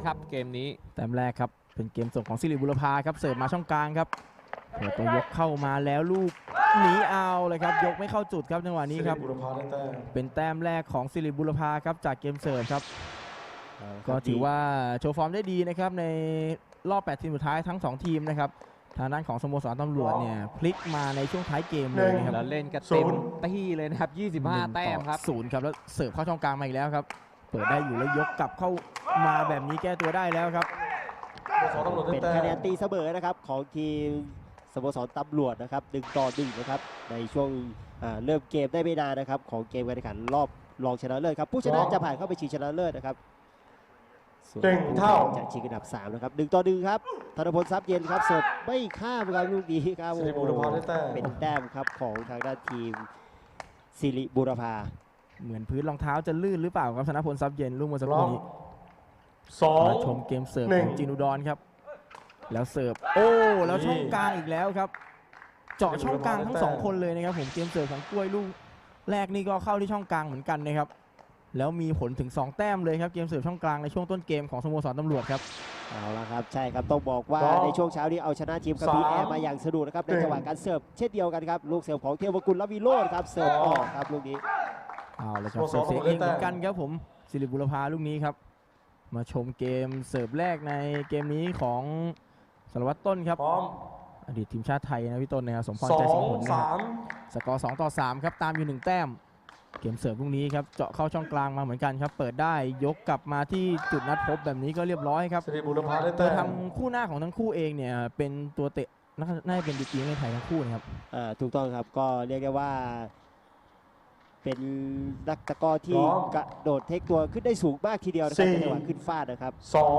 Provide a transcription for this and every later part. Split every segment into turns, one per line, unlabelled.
ครับเกมนี้
แต้มแรกครับเป็นเกมส่งของสิริบุรพาครับเสิร์ฟมาช่องกลางครับเปิดตัวยกเข้ามาแล้วลูกหนีเอาเลยครับยกไม่เข้าจุดครับจังหวะนี้ครับเป็นแต้มแรกของสิริบุรพาครับจากเกมเสิร์ฟครับก็ถือว่าโชว์ฟอร์มได้ดีนะครับในรอบ8ทีมสุดท้ายทั้ง2ทีมนะครับทางด้านของสโมสรตำรวจเนี่ยพลิกมาในช่วงท้ายเกมเลยนะครับ
แล้วเล่นกันเต็มที่เลยนะครับ25 แต้มครับ
0ครับแล้วเสิร์ฟเข้าช่องกลางมาอีกแล้วครับเปิดได้อยู่แล้วยกกลับเข้ามาแบบนี้แก้ตัวได้แล้วครับ
เป็นคะแนนตีเสมอนะครับของทีมสโมสรตำรวจนะครับ1-1นะครับในช่วงเริ่มเกมได้ไม่นานนะครับของเกมการแข่งขันรอบรองชนะเลิศครับผู้ชนะจะผ่านเข้าไปชิงชนะเลิศนะครับส่วนผู้แข่งจะชิงอันดับ3นะครับ1-1ครับธนพลทรัพย์เย็นครับเสิร์ฟไม่ข้ามครับลูกนี้ครับเป็นแต้มครับของทางด้านทีมสิริบุรพา
เหมือนพื้นรองเท้าจะลื่นหรือเปล่าครับธนพลทรัพย์เย็นลูกเมื่อสักครู่นี้มาชมเกมเสิร์ฟของจีนูดอนครับแล้วเสิร์ฟโอ้แล้วช่องกลางอีกแล้วครับเจาะช่องกลางทั้ง2คนเลยนะครับผมเกมเสิร์ฟของกล้วยลูกแรกนี่ก็เข้าที่ช่องกลางเหมือนกันนะครับแล้วมีผลถึง2แต้มเลยครับเกมเสิร์ฟช่องกลางในช่วงต้นเกมของสโมสรตำรวจครับ
เอาละครับใช่ครับต้องบอกว่าในช่วงเช้านี้เอาชนะทีมกระบี่แอร์มาอย่างสนุกนะครับในจังหวะการเสิร์ฟเช่นเดียวกันครับลูกเสิร์ฟของเทวกุล ลวิโรจน์ครับเสิร์ฟออกครับลูกนี้
เอาเลยครับเสิร์ฟเสียเองเหมือนกันครับผมสิริบุรพาลูกนี้ครับมาชมเกมเสิร์ฟแรกในเกมนี้ของสารวัตรต้นครับอดีตทีมชาติไทยนะพี่ต้นนะครับสมพรใจสิงห์ผลนะครับสกอร์2-3ครับตามอยู่1แต้มเกมเสิร์ฟลูกนี้ครับเจาะเข้าช่องกลางมาเหมือนกันครับเปิดได้ยกกลับมาที่จุดนัดพบแบบนี้ก็เรียบร้อยครับตัวทำคู่หน้าของทั้งคู่เองเนี่ยเป็นตัวเตะน่าจะเป็นดีกรีในไทยทั้งคู่นะครับ
ถูกต้องครับก็เรียกได้ว่าเป็นนักตะกร้อที่กระโดดเทคตัวขึ้นได้สูงมากทีเดียวนะครับในจังหวะขึ้นฟาดนะครับ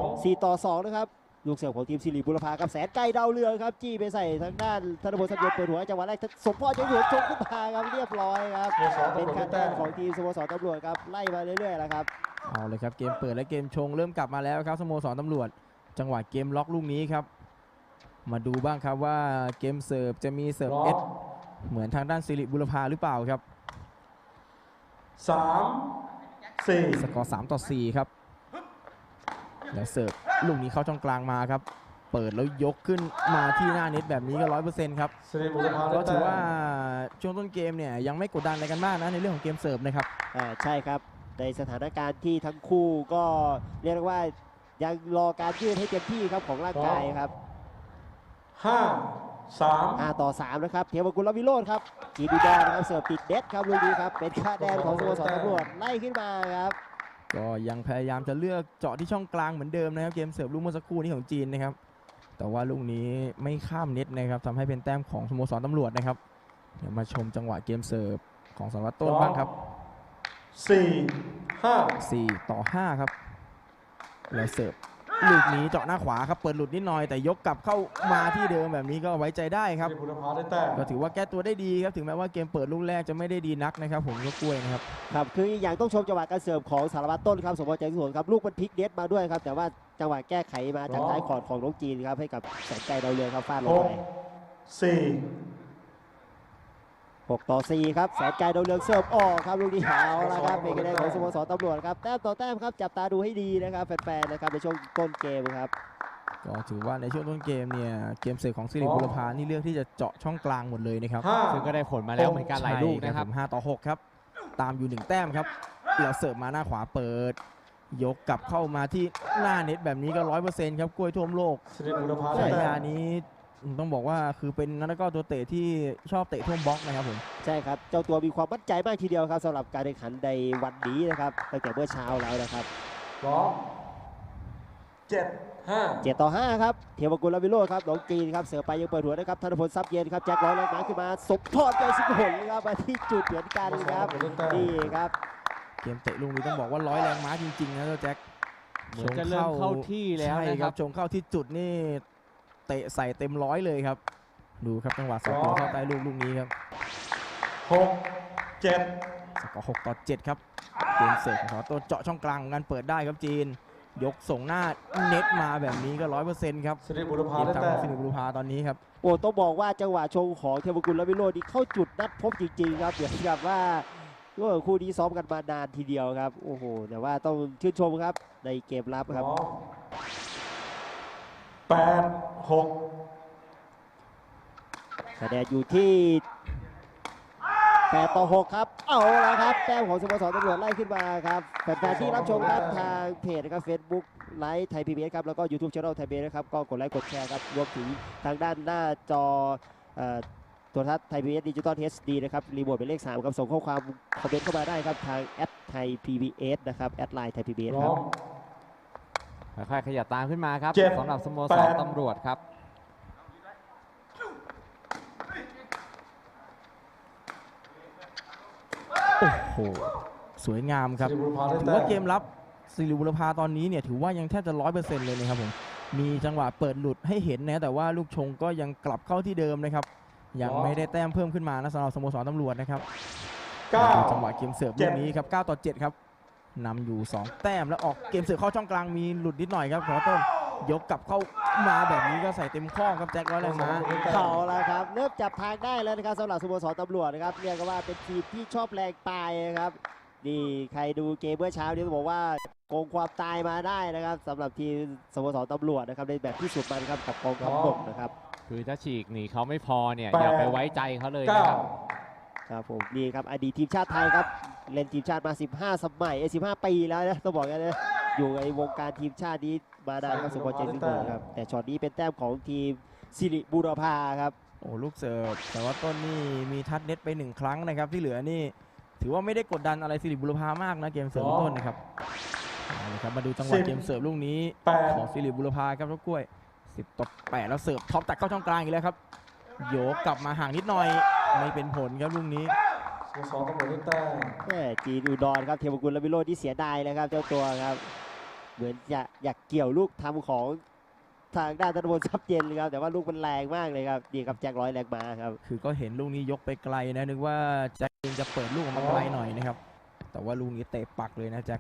4-2นะครับลูกเสิร์ฟของทีมสิริบุรพากับแสนไกลดาวเรืองครับจี้ไปใส่ทางด้านธนพลทรัพย์เย็นเปิดหัวจังหวะแรกสมพรใจหัวชงขึ้นมาครับเรียบร้อยครับเป็นคะแนนของทีมสโมสรตำรวจครับไล่มาเรื่อยๆแล้วครับ
เอาเลยครับเกมเปิดและเกมชงเริ่มกลับมาแล้วครับสโมสรตำรวจจังหวะเกมล็อกลูกนี้ครับมาดูบ้างครับว่าเกมเสิร์ฟจะมีเสิร์ฟเอสเหมือนทางด้านสิริบุรพาหรือเปล่าครับ
3-4
สกอร์3-4ครับแล้วเสิร์ฟลูกนี้เข้าช่องกลางมาครับเปิดแล้วยกขึ้นมาที่หน้าเน็ตแบบนี้ก็ 100% ครับก็ถือว่าช่วงต้นเกมเนี่ยยังไม่กดดันอะไรกันมากนะในเรื่องของเกมเสิร์ฟนะครับ
ใช่ครับในสถานการณ์ที่ทั้งคู่ก็เรียกว่ายังรอการยืดให้เต็มที่ครับของร่างกายครับ5-3นะครับเทวกุล ลวิโรจน์ครับจีดูดอนครับเสิร์ฟติดเด็ดครับลูกนี้ครับเป็นคะแนนของสโมสรตำรวจไล่ขึ้นมาครับ
ก็ยังพยายามจะเลือกเจาะที่ช่องกลางเหมือนเดิมนะครับเกมเสิร์ฟลูกเมื่อสักครู่นี้ของจีนนะครับแต่ว่าลูกนี้ไม่ข้ามเน็ตนะครับทำให้เป็นแต้มของสโมสรตำรวจนะครับเดี๋ยวมาชมจังหวะเกมเสิร์ฟของสารวัตรต้นบ้างครับ4-5ครับแล้วเสิร์ฟลูกนี้เจาะหน้าขวาครับเปิดหลุดนิดหน่อยแต่ยกกลับเข้ามาที่เดิมแบบนี้ก็ไว้ใจได้ครับก็ถือว่าแก้ตัวได้ดีครับถึงแม้ว่าเกมเปิดลูกแรกจะไม่ได้ดีนักนะครับผมก็กล้วยนะครับ
ครับคืออย่างต้องชมจังหวะการเสิร์ฟของสารวัตรต้นครับสมพรใจสวนครับลูกมันพลิกเน็ตมาด้วยครับแต่ว่าจังหวะแก้ไขมาจากท้ายคอร์ดของน้องจีนครับให้กับแสนไกลดาวเรืองครับฟาดลงไป6-4ครับแสนไกลดาวเรืองเสิร์ฟออกครับลูกนี้เอาละครับเป็นคะแนนของสโมสรตำรวจครับแต้มต่อแต้มครับจับตาดูให้ดีนะครับแฟนๆนะครับในช่วงต้นเกมครับ
ก็ถือว่าในช่วงต้นเกมเนี่ยเกมเสิร์ฟของสิริบุรพานี่เลือกที่จะเจาะช่องกลางหมดเลยนะครับ
ซึ่งก็ได้ผลมาแล้วเหมือนกันหลายลูกนะครับ
5-6ครับตามอยู่1แต้มครับแล้วเสิร์ฟมาหน้าขวาเปิดยกกลับเข้ามาที่หน้าเน็ตแบบนี้ก็ 100% ครับกล้วยท่วมโลกฉายานี้ต้องบอกว่าคือเป็นนักก็ตัวเตะที่ชอบเตะท่วมบล็อกนะครับผม
ใช่ครับเจ้าตัวมีความมั่นใจมากทีเดียวครับสำหรับการแข่งขันในวันนี้นะครับตั้งแต่เมื่อเช้าแล้วนะครับ7-5ครับเทวกุล ลวิโรจน์ครับน้องจีนครับเสือไปยังเปิดหัวนะครับธนพลทรัพย์เย็นครับแจ็คร้อยแรงม้าขึ้นมาสมพรใจสิงห์ผลครับมาที่จุดเหมือนกันครับนี่ครับ
เกมเตะลูกนี้ต้องบอกว่าร้อยแรงม้าจริงๆนะเจ้าแจ็ค
เหมือนจะเริ่มเข้าที่แล้วนะครับ
ชงเข้าที่จุดนี่เตะใส่เต็มร้อยเลยครับดูครับจังหวะสองเข้าใต้ลูกนี้ครับ
6-7
สกอร์6-7ครับเกมเสิร์ฟของตัวเจาะช่องกลางงานเปิดได้ครับจีนยกส่งหน้าเน็ตมาแบบนี้ก็ 100% ครับ
สิริบุรพา
ตอนนี้ครับ
โอ้ต้องบอกว่าจังหวะชงของเทวกุล ลวิโรจน์นี่เข้าจุดนัดพบจริงๆครับเหมือนกับว่าคู่นี้ซ้อมกันมานานทีเดียวครับโอ้โหแต่ว่าต้องชื่นชมครับในเกมรับครับ
8-6
คะแนนอยู่ที่8-6ครับเอาละครับแต้มของสโมสรตำรวจไล่ขึ้นมาครับแฟนๆที่รับชมครับทางเพจนะครับ Facebook ไลฟ์ไทย PBS ครับแล้วก็ YouTube Channel ไทย PBS นะครับก็กดไลค์กดแชร์ครับรวมถึงทางด้านหน้าจอโทรทัศน์ไทย PBS Digital HD นะครับรีโมทเป็นเลข3ครับส่งข้อความคอมเมนต์เข้ามาได้ครับทางแอดไทย PBS นะครับแอดไลน์ไทย PBS ครับ
ค่อยๆขยับตามขึ้นมาครับ
7
สำหรับสโมสร
8
ตำรวจครับ
โอ้โหสวยงามครับ
สิริบุรพาได้
ถือ
แต้
ว่าม เกมรับสิริบุรพาตอนนี้เนี่ยถือว่ายังแทบจะ 100% เลยนะครับผมมีจังหวะเปิดหลุดให้เห็นนะแต่ว่าลูกชงก็ยังกลับเข้าที่เดิมนะครับยังไม่ได้แต้มเพิ่มขึ้นมานะสำหรับสโมสรตำรวจนะครับจังหวะเกมเสิร์ฟลูกนี้ครับ9-7ครับนำอยู่2แต้มแล้วออกเกมเสิร์ฟเข้าช่องกลางมีหลุดนิดหน่อยครับขอต้นยกกลับเข้ามาแบบนี้ก็ใส่เต็มข้อครับแจ็คร้อยแรงม้า
เขาละครับเริ่มจับทางได้แล้วนะครับสำหรับสโมสรตำรวจนะครับเรียกว่าเป็นทีมที่ชอบแรงตายนะครับนี่ใครดูเกมเมื่อเช้านี้ต้องบอกว่าโกงความตายมาได้นะครับสำหรับทีมสโมสรตำรวจนะครับในแบบที่สุดมันครับกับกองทัพบกนะครับ
คือถ้าฉีกหนีเขาไม่พอเนี่ย
8
อย่าไปไว้ใจเขาเลยนะครับ
ครับผมนี่ครับอดีตทีมชาติไทยครับเล่นทีมชาติมา 15 สมัย15 ปีแล้วนะต้องบอกกันนะอยู่ในวงการทีมชาตินี้มานานครับสุพรเจนสิงห์ครับแต่ช็อตนี้เป็นแต้มของทีมสิริบุรพาครับ
โอ้ลูกเสิร์ฟแต่ว่าต้นนี่มีทัดเน็ตไป1ครั้งนะครับที่เหลือนี่ถือว่าไม่ได้กดดันอะไรสิริบุรพามากนะเกมเสิร์ฟต้นนะครับเอาเลยครับมาดูจังหวะ
10
เกมเสิร์ฟลูกนี้
8
ของสิริบุรพาครับรถกล้วย10-8แล้วเสิร์ฟท็อปตัดเข้าช่องกลางอีกแล้วครับโยกกลับมาห่างนิดหน่อยไม่เป็นผลครับลูกนี้
สโมสรตำรวจได้แต้ม
แม่จีนอุดรครับเทวกุลและวิโรจน์ที่เสียดายเลยครับเจ้าตัวครับเหมือนจะอยากเกี่ยวลูกทำของทางด้านธนบุญทรัพย์เย็นเลยครับแต่ว่าลูกมันแรงมากเลยครับนี่ครับแจ็คร้อยแรงมาครับ
คือก็เห็นลูกนี้ยกไปไกลนะนึกว่าแจ็คเองจะเปิดลูกออกมาไกลหน่อยนะครับแต่ว่าลูกนี้เตะปักเลยนะแจ็ค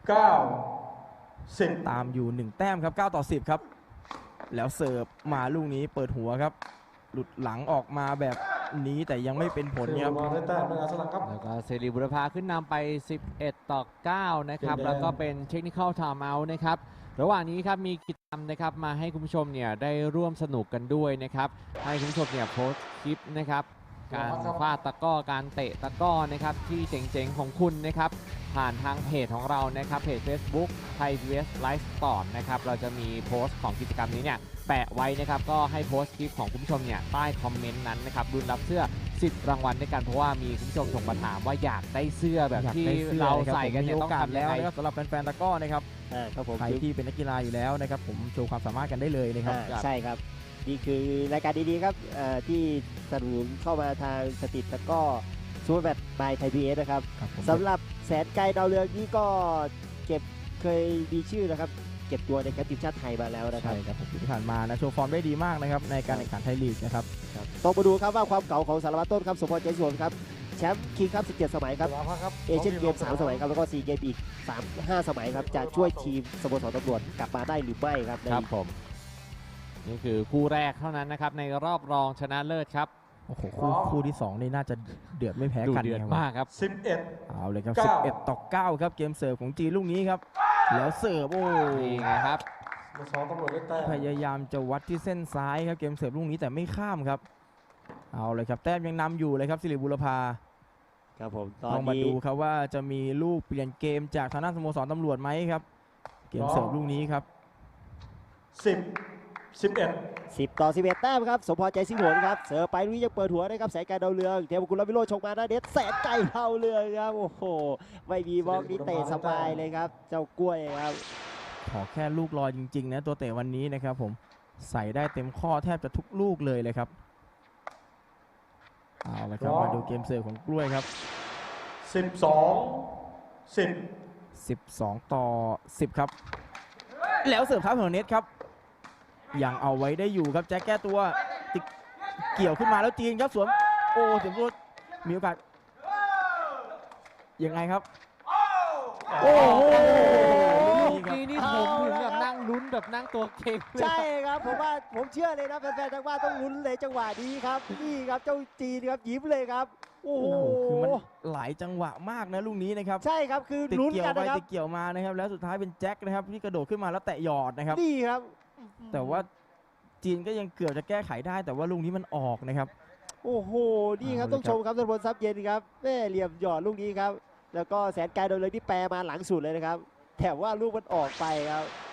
9-10
ตามอยู่1แต้มครับ9-10ครับแล้วเสิร์ฟมาลูกนี้เปิดหัวครับหลุดหลังออกมาแบบนี้แต่ยังไม่เป็นผล
สิริ
ครับ
บุรพาได้แต้มด้วยอาสลักครับ
แล้วก็เซรีบุรพาขึ้นนำไป 11-9 นะครับ
เกมแดง
แล้วก็เป็นเทคนิคอลไทม์เอาท์นะครับ ระหว่างนี้ครับมีกิจกรรมนะครับมาให้คุณผู้ชมเนี่ยได้ร่วมสนุกกันด้วยนะครับ ให้คุณผู้ชมเนี่ยโพสต์คลิปนะครับ การฟาดตะกร้อ การเตะตะกร้อนะครับที่เจ๋งๆของคุณนะครับ ผ่านทางเพจของเรานะครับ เพจ Facebook ไทย PBS Live Sport นะครับ เราจะมีโพสต์ของกิจกรรมนี้เนี่ยแปะไว้นะครับ ก็ให้โพสต์คลิปของคุณผู้ชมเนี่ยใต้คอมเมนต์นั้นนะครับรุนรับเสื้อ10 รางวัลด้วยกันเพราะว่ามีคุณผู้ชมส่งมาถามว่าอยากได้เสื้อแบบที่เราใส่กันเนี่ยต้องทำ
แล้
ยัง
ว
ไง
นะครับสำหรับแฟนๆตะกร้อนะครับ
ครับผม
ใครที่เป็นนักกีฬาอยู่แล้วนะครับผมโชว์ความสามารถกันได้เลยนะครับ
ใช่ครับนี่คือรายการดีๆครับที่สนับสนุนเข้ามาทางสติตะกร้อซูเปอร์แบทบายไทยพีเอสนะครับ
ครับผม
สำหรับแสนไกลดาวเรืองนี่ก็เก็บเคยมีชื่อนะครับเก็บตัวในแคมป์ทีมชาติไทยมาแล้วนะครั
ใช่
บ
ครับผมที่ผ่านมานะโชว์ฟอร์มได้ดีมากนะครับในการแข่งขันไทยลีกนะครับ
ต้องมาดูครับว่าความเก่าของสารวัตรต้นครับสมพรใจสวนครับแชมป์คิงครับ17 สมัยครับเอเชียนเกม3 สมัยครับแล้วก็ซีเกมอีก5 สมัยครับจะช่วยทีมสโมสรตำรวจกลับมาได้หรือไม่ครับใน
ครับผม นี่คือคู่แรกเท่านั้นนะครับในรอบรองชนะเลิศครับ
โอ้โหคู่ที่2นี่น่าจะเดือดไม่แพ้
ดู
กัน
เดือด
นะครับ
มากครับ
11
เอาเลยครับ
9
11-9ครับเกมเสิร์ฟของจีนลูกนี้ครับแล้วเสิร์ฟโอ้
นี่ไงครับ
สโมสรตำรวจได้แต้ม
พยายามจะวัดที่เส้นซ้ายครับเกมเสิร์ฟลูกนี้แต่ไม่ข้ามครับเอาเลยครับแต้มยังนำอยู่เลยครับสิริบุรพา
ครับผมตอ
ต้
น
องมา
นี้
ดูครับว่าจะมีลูกเปลี่ยนเกมจากทางด้านสโมสรตำรวจไหมครับเกมเสิร์ฟลูกนี้ครับ
10-11
10-11 แต้มครับสมพรใจสิงห์หนครับเสิร์ฟไปลุยยังเปิดหัวนะครับแสนไกลดาวเรืองเทวกุลและวิโรจน์ชงมาหน้าเน็ตแสนไกลดาวเรืองครับโอ้โหไม่มีบล็อกนี้เตะสบายเลยครับเจ้ากล้วยครับ
ขอแค่ลูกลอยจริงๆนะตัวเตะวันนี้นะครับผมใส่ได้เต็มข้อแทบจะทุกลูกเลยเลยครับเอาละครับมาดูเกมเสิร์ฟของกล้วยครับ
12-10
12-10ครับแล้วเสิร์ฟเท้าของเน็ตครับยังเอาไว้ได้อยู่ครับแจ็คแก้ตัวติดเกี่ยวขึ้นมาแล้วจีนครับสวมโอ้สวมตัวมีโอกาสยังไงครับโอ้โห
ลูกนี้นี่ผมถึงกับนั่งลุ้นแบบนั่งตัวเก่งเลย
ใช่ครับผมว่าผมเชื่อเลยนะแฟนๆทางบ้านต้องลุ้นเลยจังหวะนี้ครับนี่ครับเจ้าจีนครับยิ้มเลยครับโอ้
โอ้
โห
โหคือมันหลายจังหวะมากนะลูกนี้นะครับ
ใช่ครับคือ
ติด
ลุ้น
เกี่ย
กั
วน ไป
นะครับ
ติดเกี่ยวมานะครับแล้วสุดท้ายเป็นแจ็คนะครับที่กระโดดขึ้นมาแล้วแตะหยอดนะครับ
นี่ครับ
แต่ว่าจีนก็ยังเกือบจะแก้ไขได้แต่ว่าลูกนี้มันออกนะครับ
โอ้โหนี่ครับ
เอาเลย
ต้องชมครับธนพลทรัพย์เย็นครับแม่เหลี่ยมหยอดลูกนี้ครับแล้วก็แสนไกลโดนเลยที่แปรมาหลังสุดเลยนะครับแต่ว่าลูกมันออกไปครับ